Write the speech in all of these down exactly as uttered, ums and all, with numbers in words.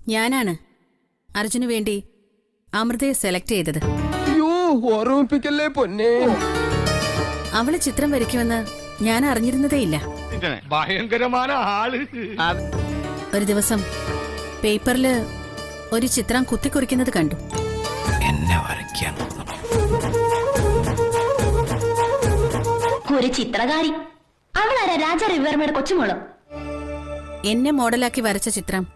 ഞാനാണ് അർജുന് വേണ്ടി അമൃതയെ സെലക്ട് ചെയ്തത്. ഓർമ്മിപ്പിക്കല്ലേ പൊന്നെ. അവള് ചിത്രം വരയ്ക്കുമെന്ന് ഞാൻ അറിഞ്ഞിരുന്നതേയില്ല. ഭയങ്കരമായ ആള്. ഒരു ദിവസം പേപ്പറില് ഒരു ചിത്രം കുത്തിക്കുറിക്കുന്നത് കണ്ടു. എന്നെ വരയ്ക്കാൻ ഒരു ചിത്രകാരി. അവളാരാ രാജ രവിവർമ്മയുടെ കൊച്ചുമോള്. എന്നെ മോഡലാക്കി വരച്ച ചിത്രം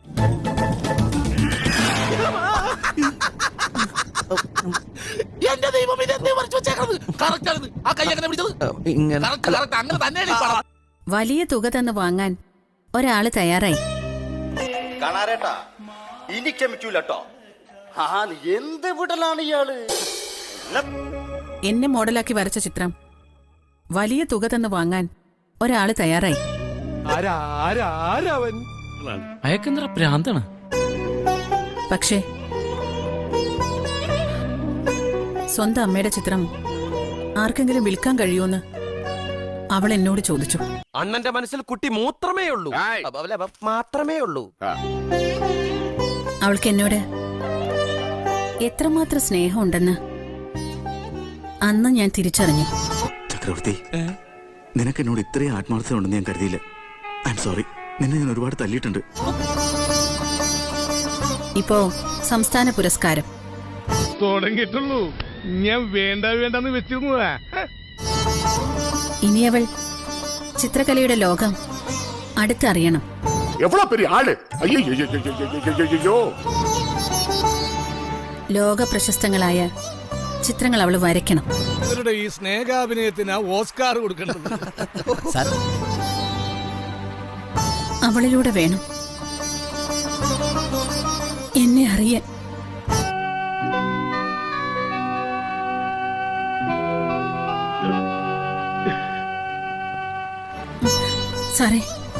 എന്റെ ദൈവം ഇതെന്തേ വരച്ചു വെച്ചേക്കണത്? കറക്റ്റ് ആണ്. ആ കൈ എങ്ങനെ പിടിച്ചത്? കറക്റ്റ് കറക്റ്റ് അങ്ങനെ തന്നെയാണ് ഈ പടം. വലിയ തുക തന്ന് വാങ്ങാൻ ഒരാള് തയ്യാറായി. കാണാറേട്ടാ ഇനി ക്ഷമിക്കൂലട്ടോ. ആ എന്ത് വിടലാണ് ഇയാള്. എന്നെ മോഡലാക്കി വരച്ച ചിത്രം വലിയ തുക തന്ന് വാങ്ങാൻ ഒരാള് തയ്യാറായി. അയക്കെന്തറ പ്രാന്താണ്. പക്ഷേ സ്വന്തം അമ്മയുടെ ചിത്രം ആർക്കെങ്കിലും വിൽക്കാൻ കഴിയുമെന്ന് അവൾ എന്നോട് ചോദിച്ചു. അണ്ണന്റെ മനസ്സിൽ കുട്ടി മൂത്രമേ ഉള്ളൂ, മാത്രമേ ഉള്ളൂ. അവൾക്ക് എന്നോട് എത്രമാത്രം സ്നേഹമുണ്ടെന്ന് അന്ന് ഞാൻ തിരിച്ചറിഞ്ഞു. ചക്രവർത്തി, നിനക്ക് എന്നോട് ഇത്രയും ആത്മാർത്ഥത ഉണ്ടെന്ന് ഞാൻ കരുതിയില്ല. I'm sorry. നിന്നെ ഞാൻ ഒരുപാട് തല്ലിയിട്ടുണ്ട്. ഇപ്പോ സംസ്ഥാന പുരസ്കാരം തുടങ്ങിയിട്ടുള്ളൂ. ഞാൻ വേണ്ട വേണ്ടെന്ന് വെച്ചിരുന്നതാ. ഇനി അവൾ ചിത്രകലയുടെ ലോകം അടുത്തറിയണം. ലോക പ്രശസ്തങ്ങളായ ചിത്രങ്ങൾ അവൾ വരയ്ക്കണം. ഇവരുടെ ഈ സ്നേഹാഭിനയത്തിന് ഓസ്കാർ കൊടുക്കേണ്ടത് അവളിലൂടെ വേണം എന്നെ അറിയാൻ. സാറേ,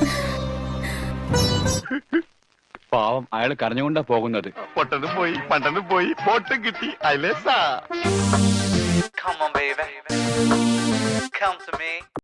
പാവം അയാൾ കരഞ്ഞുകൊണ്ടാ പോകുന്നത്. പൊട്ടനും പോയി പണ്ടനും പോയി പൊട്ടും കിട്ടി. Come on baby, come to me.